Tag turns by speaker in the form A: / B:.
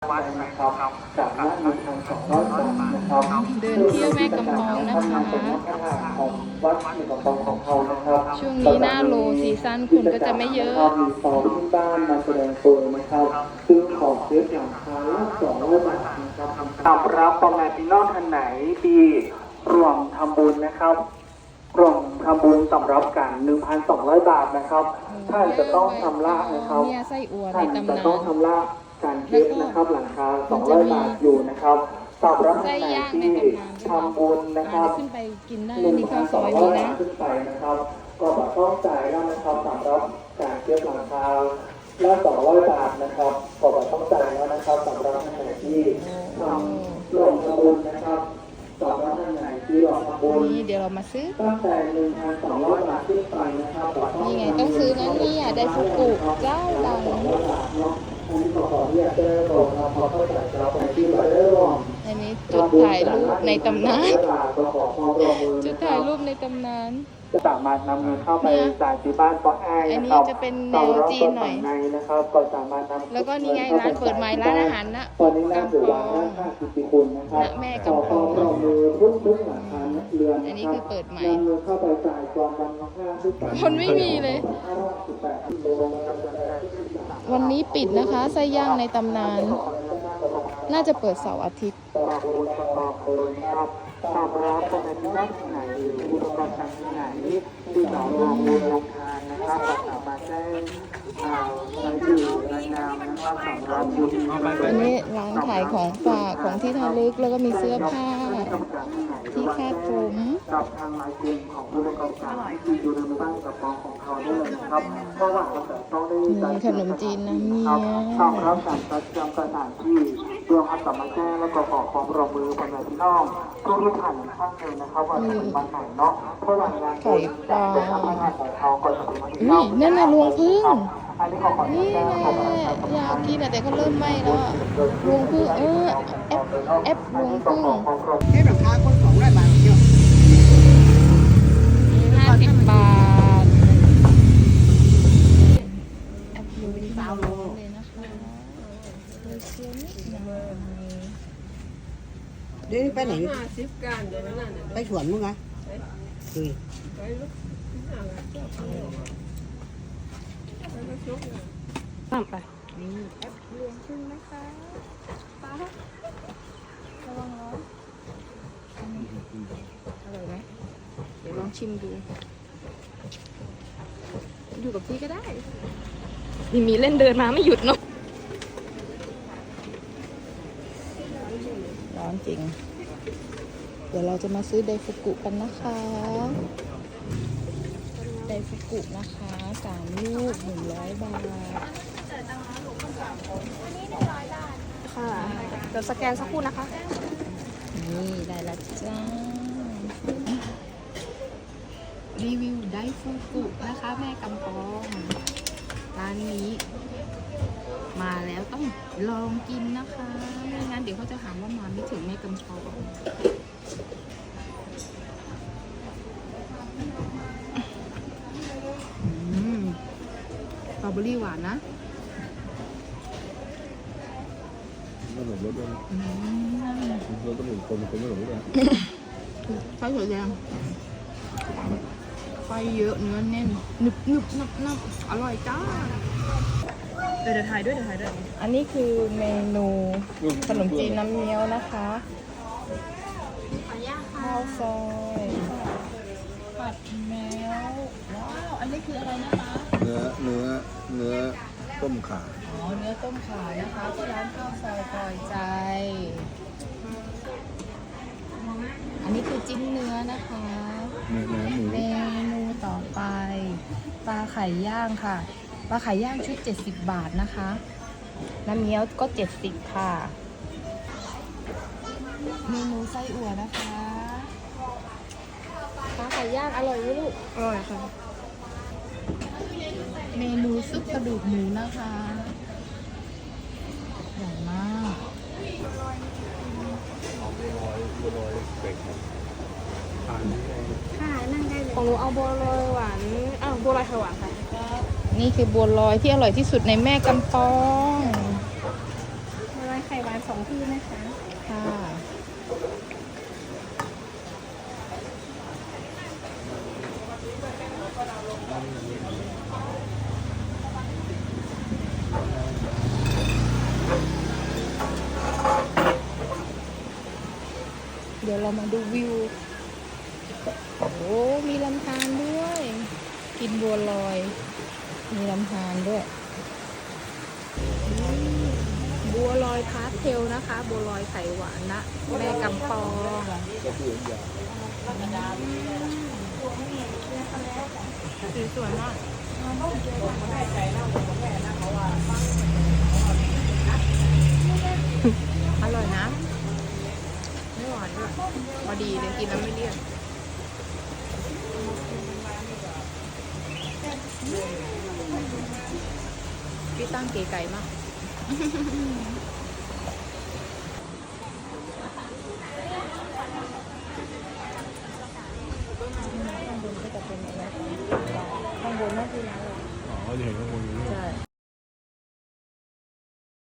A: วัดนะครับจากนั้น1,200 บาทนะครับ
B: เดินเที่ยวแม่กำปองนะคะ
A: ของวัดแม่กำปองของเขานะครับ
B: ช่วงนี้หน้าโลซีซั่นคนก็จะไม่เยอะ
A: มีซองที่บ้านมาแสดงตัวนะครับซึ่งของเซฟหลังคา200 บาทนะครับสำหรับพ่อแม่พี่น้องท่านไหนที่ร่วมทำบุญนะครับร่วมทำบุญสำหรับกัน 1,200 บาทนะครับท่านจะต้องชำระนะครับ
B: เนี่ยไส้อั่วใน
A: ท่าน
B: ตำ
A: จะ
B: นา
A: ต้อง
B: น
A: ชำระการเก็บนะครับหลังคา200 บาทอยู่นะครับสำหรับ
B: ไส้
A: ท่านไหน
B: ย่างใน
A: ที่
B: ตำนาน
A: ทำบุญนะครับ
B: ขึ้นไปกินได้นี่ข้าวซอยมีนะ
A: ขึ้นไปนะครับก็ต้องจ่ายแล้วนะครับสำหรับการเก็บหลังคาละ200 บาทนะครับก็ต้องจ่ายแล้วนะครับสำหรับท่านไหนที่ทำร่วมทำบุญนะครับสำหรับท่านไหนที่ร่วมทำบุญ
B: นี่เดี๋ยวเรามาซื้อ
A: ตั้งแต่ 1,200 บาทขึ้นไปนะครับ
B: นี่ไงต้องซื้อนะเนี่ยไดฟุกุเจ้าดัง
A: อันนี้ขอเรียกได้ก่อนนะพอเข้าใจเราไปที่เราได้ร่วม
B: อันนี้จุดถ่ายรูปในตำนานจุดถ่ายรูปในตำนาน
A: จะสามารถนำเงินเข้าไปจ่ายที่บ้านปอแอ
B: อัน
A: นะ
B: นี้
A: ครับ
B: จะเป็นแนวจีนหน่อย
A: นะครับก็สามารถนำ
B: แล้วก็นี่ไงร้านเปิดใหม่ร้านอาหารนะ
A: ตอนนี้น่าถือว่า
B: กำปอง
A: ค่ากิติคุณนะครับ
B: ณแม่กำปอง
A: ขอมือทุกหลังคาเรือน
B: อันนี้คือเปิดใหม่
A: นำเงินเข้าไปจ่ายกองกันค่าทุก
B: คนไม่มีเลย วันนี้ปิดนะคะไส้ย่างในตำนาน น่าจะเปิดเสาร์อาทิตย์
A: ตามร้านตรงไหนที่ไหนอุปกรณ์ต่างที่ไหนที่เราลงมือลงทานนะครับก็สามารถแจ้งรายชื่อรายนามนะครับสำหรับผู้ที่
B: อันนี้ร้านขายของฝากของที่ระลึกแล้วก็มีเสื้อผ้า ที่คาดผม
A: กับทางลายเซ็นของผู้ประกอบการที่อยู่ในบ้านกับกองของเขาได้เลยนะครับเพราะว่าเราจะต้องได้
B: มีขนมจีนน้ำเงี้ยว
A: สำหรับการจัดจำสถานที่เรื่องอัตมาแจ้งและก็ขอความร่วมมือพ่อแม่พี่น้องทุกท่านข้างเลยนะครับว่าจะเป็นวันไหนเนาะเพราะหลังงานบุญจะทำอาหารของเขาก็จะเป็นวันที่
B: อุ้ยนั่นน่ะรวงพึ่ง
A: อันนี้ขอ
B: นี่
A: แจ้ง
B: แหละ
A: ขอบคุณ
B: อยากกินอะแต่เขาเริ่มไหม้แล้วอะรวงพึ่งแอปรวงพึ่ง
C: cái đồng thang con khổng này bà chưa
B: 50 บาทแอปรวงพึ่งเลยนะคะเลยเชียวนิดหน่อย
C: điไปไหนไปสวนมึงไงคุย
B: ตามไปนี่แอปรวงพึ่งนะคะป้าระวังร้อนอร่อยไหมเดี๋ยวลองชิมดู อยู่กับพี่ก็ได้มีเล่นเดินมาไม่หยุดเนาะร้อนจริง เดี๋ยวเราจะมาซื้อไดฟุกุกันนะคะไดฟุกุนะคะ3 ลูก100 บาท
D: ค่ะเดี๋ยวสแกนสักครู่นะคะ
B: นี่ได้แล้วจ้ารีวิวไดฟุกุนะคะแม่กำปองร้านนี้ มาแล้วต้องลองกินนะคะไม่งั้นเดี๋ยวเขาจะหาว่ามาไม่ถึงแม่กำปองสตรอเบอรี่หวานนะ
E: ไม่หลงรถด้วยนะรถต้องหมุนคนไม่หลงรถด้วย
B: ไฟสวยแดงไฟเยอะเนื้อแน่นหนึบหนึบนับนับอร่อยจ้าเดี๋ยวถ่ายด้วยอันนี้คือเมนูขนมจีนน้ำเงี้ยวนะคะข้าวซอยผัดแมวว้าวอันนี้คืออะไรนะคะ
E: เนื้อต้มข่า
B: อ๋อเนื้อต้มขานะคะที่ร้านข้าวซอยปล่อยใจ อันนี้คือจิ้นเนื้อนะคะ
E: เนื้อหมู
B: เมนูต่อไปปลาไข่ย่างค่ะปลาไข่ย่างชุด70 บาทนะคะน้ำเงี้ยวก็70ค่ะเมนูไส้อั่วนะคะปลาไข่ย่างอร่อยไหมลูกอร่อยค่ะเมนูซุปกระดูกหมูนะคะใหญ่มาก
D: ของหนูเอาบัวลอยหวานบัวลอยไข่หวานค่ะ
B: นี่คือบัวลอยที่อร่อยที่สุดในแม่กำปอง
D: บัวลอยไข่ข่หวาน2ที่นะคะ
B: ค่ะ เดี๋ยวเรามาดูวิว โอ้ มีลำธารด้วย กินบัวลอย มีลำธารด้วย บัวลอยพาสเทลนะคะ บัวลอยไข่หวานนะ แม่กำปองสีสวยมากอร่อยนะ ไม่หวานด้วยพอดีเลยกินแล้วไม่เลี่ยนพี่ตั้งเก๋ไก่มากข้างบนก็จะเป็นอะไรข้างบนน่าจะร้านอะไร
E: อ๋อเดี๋ยวข้างบนนี้
B: ใช่